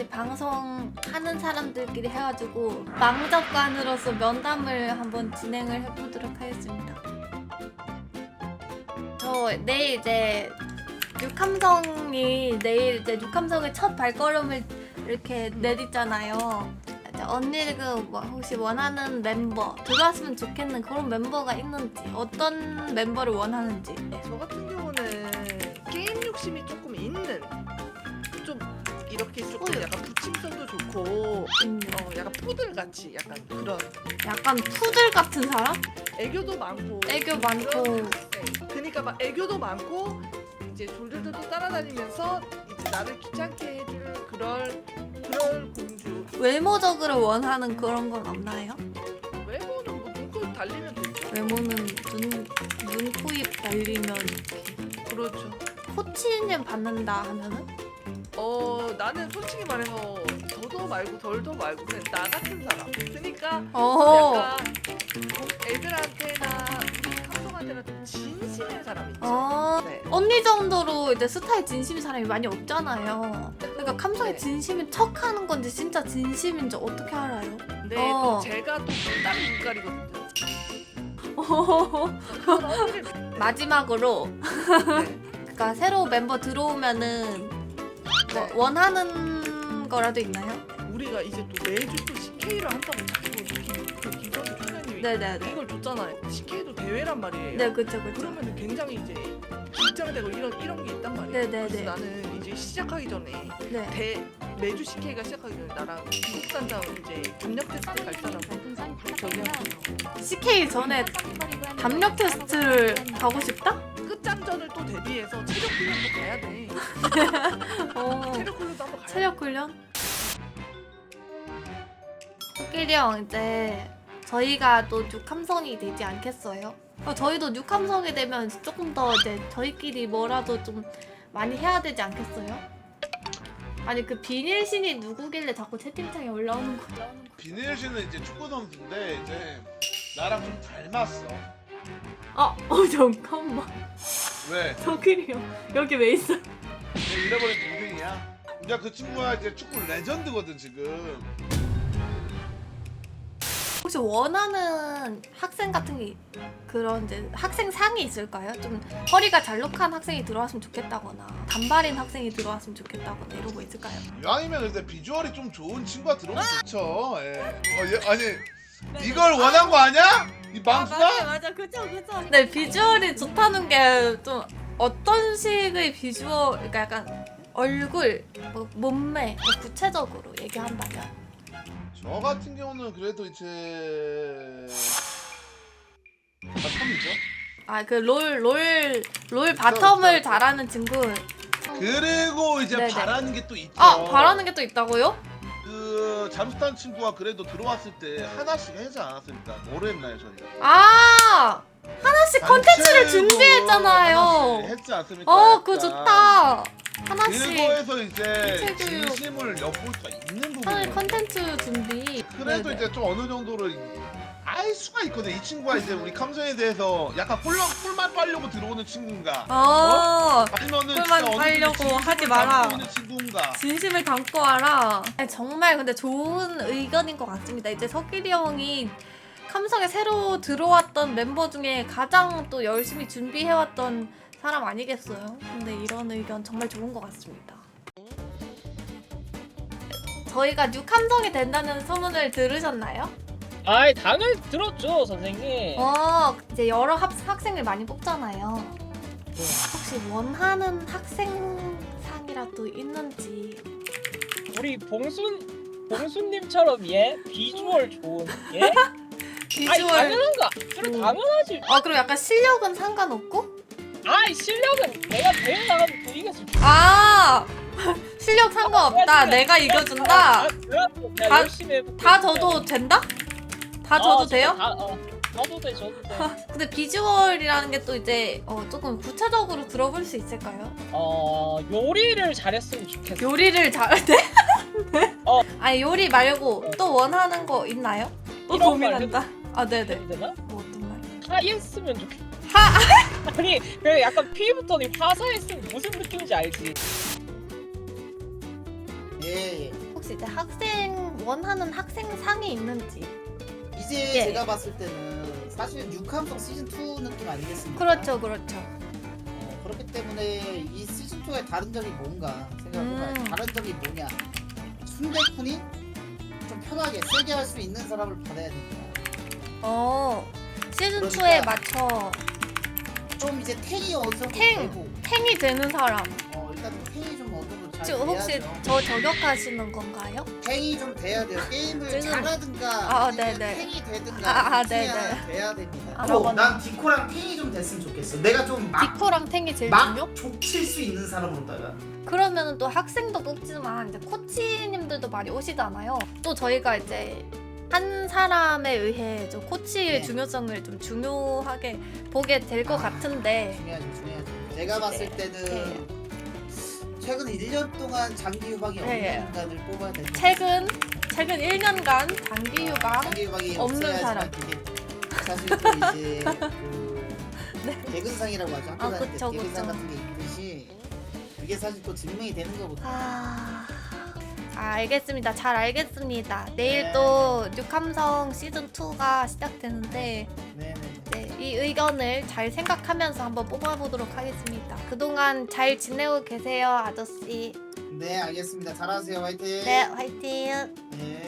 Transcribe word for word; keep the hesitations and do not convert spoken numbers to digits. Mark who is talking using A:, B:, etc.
A: 저희 방송하는 사람들끼리 해가지고 망접관으로서 면담을 한번 진행을 해보도록 하겠습니다. 저 내일 이제 육함성이 내일 이제 육함성의 첫 발걸음을 이렇게 내딛잖아요. 이제 언니가 뭐 혹시 원하는 멤버 들어왔으면 좋겠는 그런 멤버가 있는지, 어떤 멤버를 원하는지.
B: 저 같은 경우는 게임 욕심이 조금 있는, 좀 이렇게 조금
A: 어.
B: 약간 부침성도 좋고
A: 음,
B: 어 약간 푸들 같이 약간 그런
A: 약간 푸들 같은 사람?
B: 애교도 많고
A: 애교 많고.
B: 그런, 네. 그러니까 막 애교도 많고 이제 졸졸졸 따라다니면서 이제 나를 귀찮게 해줄 그럴 그럴 공주.
A: 외모적으로 원하는 그런 건 없나요?
B: 외모는 뭐 눈코 달리면 되죠.
A: 외모는 눈, 눈, 코, 입 달리면
B: 그렇죠.
A: 코치님 받는다 하면은?
B: 어 나는 솔직히 말해서 더도 말고 덜도 말고 그냥 나 같은 사람. 그러니까
A: 어.
B: 약간 애들한테나 우리 감성한테나 좀 진심인 사람 있죠.
A: 어.
B: 네.
A: 언니 정도로 이제 스타에 진심인 사람이 많이 없잖아요. 그러니까 감성에
B: 네.
A: 진심인 척 하는 건지 진짜 진심인지 어떻게 알아요?
B: 근데
A: 어.
B: 또 제가 또 다른 눈깔이거든요. 그런 어필을
A: 마지막으로
B: 네.
A: 그러니까 새로 멤버 들어오면은 뭐
B: 네.
A: 원하는 거라도 있나요?
B: 우리가 이제 또 매주 또 씨케이를 한다고 자꾸 김- 그 김선우 총장님이
A: 네네네.
B: 이걸 줬잖아요. 씨케이도 대회란 말이에요.
A: 네, 그쵸, 그쵸.
B: 그러면 굉장히 이제 긴장되고 이런 이런 게 있단 말이에요.
A: 네네네.
B: 그래서 나는 이제 시작하기 전에
A: 네.
B: 대 매주 씨케이가 시작하기 전에 나랑 미국 산장 이제 담력 테스트 갈 사람 저기요.
A: 씨케이 전에 담력 테스트를 가고 싶다?
B: 끝장전을 또 대비해서 체력 훈련도 가야 돼.
A: 어.
B: 체력 훈련도 한번 가야 돼.
A: 체력 훈련? 코끼리 형 이제 저희가 또 육함성이 되지 않겠어요? 어, 저희도 육함성이 되면 조금 더 이제 저희끼리 뭐라도 좀 많이 해야 되지 않겠어요? 아니 그 비닐신이 누구길래 자꾸 채팅창에 올라오는 거야?
C: 비닐씨는 이제 축구 선수인데 이제 나랑 좀 닮았어.
A: 아, 어 잠깐만.
C: 왜?
A: 코끼리 형 여기 왜 있어?
C: 내 잃어버린 동생이야. 근데 그 친구가 이제 축구 레전드거든 지금.
A: 혹시 원하는 학생 같은 게 그런 이제 학생상이 있을까요? 좀 허리가 잘록한 학생이 들어왔으면 좋겠다거나 단발인 학생이 들어왔으면 좋겠다거나 이런 거 있을까요?
C: 이왕이면 근데 비주얼이 좀 좋은 친구가 들어오면 좋죠. 예. 어, 얘, 아니 이걸 원한 거 아니야? 이 망수가?
A: 맞아 그쵸 그쵸. 네 비주얼이 좋다는 게 좀 어떤 식의 비주얼, 그러니까 약간 얼굴, 뭐 몸매 뭐 구체적으로 얘기한다면
C: 저 같은 경우는 그래도 이제 바텀이죠.
A: 아 그 롤 롤 롤 바텀을 잘하는 친구.
C: 그리고 이제
A: 네네.
C: 바라는 게 또 있죠.
A: 아 바라는 게 또 있다고요?
C: 그 잠수탄 친구가 그래도 들어왔을 때 하나씩 하지 않았습니까? 뭐를 했나요 저희가?
A: 아 하나씩 컨텐츠를
C: 단체로
A: 준비했잖아요.
C: 하나씩 했지 않습니까?
A: 어 그거
C: 약간.
A: 좋다. 하나씩
C: 그거에서 이제
A: 단체 교육.
C: 진심을 엿볼 수가 있는
A: 하나의
C: 부분이에요.
A: 컨텐츠 준비.
C: 그래도
A: 네네.
C: 이제 좀 어느 정도로 알 수가 있거든. 이 친구가 이제 우리 감성에 대해서 약간 꿀, 꿀만 빨려고 들어오는 친구인가?
A: 어
C: 아니면은
A: 꿀만
C: 진짜 어느 정도
A: 빨려고
C: 진심을
A: 하지 마라.
C: 담고 있는 친구인가?
A: 진심을 담고 와라. 아니, 정말 근데 좋은 의견인 것 같습니다. 이제 석길이 형이 감성에 새로 들어왔던 멤버 중에 가장 또 열심히 준비해왔던 사람 아니겠어요? 근데 이런 의견 정말 좋은 것 같습니다. 저희가 육함성이 된다는 소문을 들으셨나요?
D: 아이 당연히 들었죠 선생님.
A: 어, 이제 여러 학, 학생을 많이 뽑잖아요. 혹시 원하는 학생상이라도 있는지.
D: 우리 봉순 봉순님처럼 예 비주얼 좋은 예. 아이
A: 비주얼.
D: 당연한가? 그래
A: 음.
D: 당연하지.
A: 어, 그럼 약간 실력은 상관없고?
D: 아이 실력은 내가 대회 나가면 또 이겼을 줄.
A: 아! 실력 상관없다. 내가 이겨준다.
D: 아, 그래도 내가
A: 다-
D: 열심히 해볼게.
A: 다 져도 된다? 다
D: 아,
A: 져도
D: 진짜
A: 돼요?
D: 다, 어, 져도 돼, 져도 돼.
A: 근데 비주얼이라는 게 또 이제 어, 조금 구체적으로 들어볼 수 있을까요?
D: 어 요리를 잘했으면 좋겠어.
A: 요리를 잘해?
D: 어.
A: 아니 요리 말고 또 원하는 거 있나요? 또
D: 이런
A: 고민한다. 아 네네.
D: 해도 되나?
A: 뭐 어떤 말?
D: 화했으면 좋겠어.
A: 하!
D: 아니 그 약간 피부터는 화사했으면 무슨 느낌인지 알지?
E: 예, 예.
A: 혹시 혹시 이제 학생 원하는 학생상이 있는지.
E: 이제
A: 예.
E: 제가 봤을 때는 사실 육함성 시즌 투 느낌 아니겠습니까?
A: 그렇죠, 그렇죠.
E: 어, 그렇기 때문에 이 시즌 투의 다른 점이 뭔가 생각해보면
A: 음.
E: 다른 점이 뭐냐? 순대쿤이 좀 편하게 세게 할 수 있는 사람을 받아야 된다.
A: 어 시즌
E: 그러니까-
A: 이에 맞춰
E: 좀 이제 탱이 어느 정도
A: 탱!
E: 되고
A: 탱이 되는 사람.
E: 어 일단 탱이 좀 어느 정도 잘
A: 지금 혹시
E: 돼야죠.
A: 저 저격하시는 건가요?
E: 탱이 좀 돼야 돼요. 게임을
A: 지금-
E: 잘하든가
A: 아,
E: 아니면
A: 네네.
E: 탱이 되든가
A: 아, 아,
E: 둘 중에
A: 네네.
E: 하나 돼야 됩니다.
A: 아,
E: 어,
A: 저거는-
E: 난 디코랑 탱이 좀 됐으면 좋겠어. 내가 좀막
A: 디코랑 탱이 제일
E: 막
A: 중요?
E: 족칠 수 있는 사람으로다가
A: 그러면은 또 학생도 뽑지만 이제 코치님들도 많이 오시잖아요. 또 저희가 이제 한 사람에 의해 좀 코치의
E: 네.
A: 중요성을 좀 중요하게 보게 될 것
E: 아,
A: 같은데.
E: 중요하죠, 중요하죠. 제가 봤을
A: 네.
E: 때는 최근 일 년 동안 장기 유방이 없는
A: 네.
E: 인간을 뽑아야 될 것 같아요.
A: 최근 최근 일 년간 장기 유방
E: 장기 유방이
A: 없는
E: 없어야지만
A: 사람.
E: 그게 사실 또 이제 그 대근상이라고 하죠. 학교
A: 아,
E: 다닐 때
A: 그쵸,
E: 대근상
A: 그쵸.
E: 같은 게 있듯이 그게 사실 또 증명이 되는 거거든요.
A: 아... 아, 알겠습니다. 잘 알겠습니다. 내일
E: 네.
A: 또 뉴캄성 시즌 투가 시작되는데
E: 네네.
A: 네, 이 의견을 잘 생각하면서 한번 뽑아보도록 하겠습니다. 그동안 잘 지내고 계세요, 아저씨.
E: 네 알겠습니다. 잘하세요. 화이팅.
A: 네, 화이팅.
E: 네.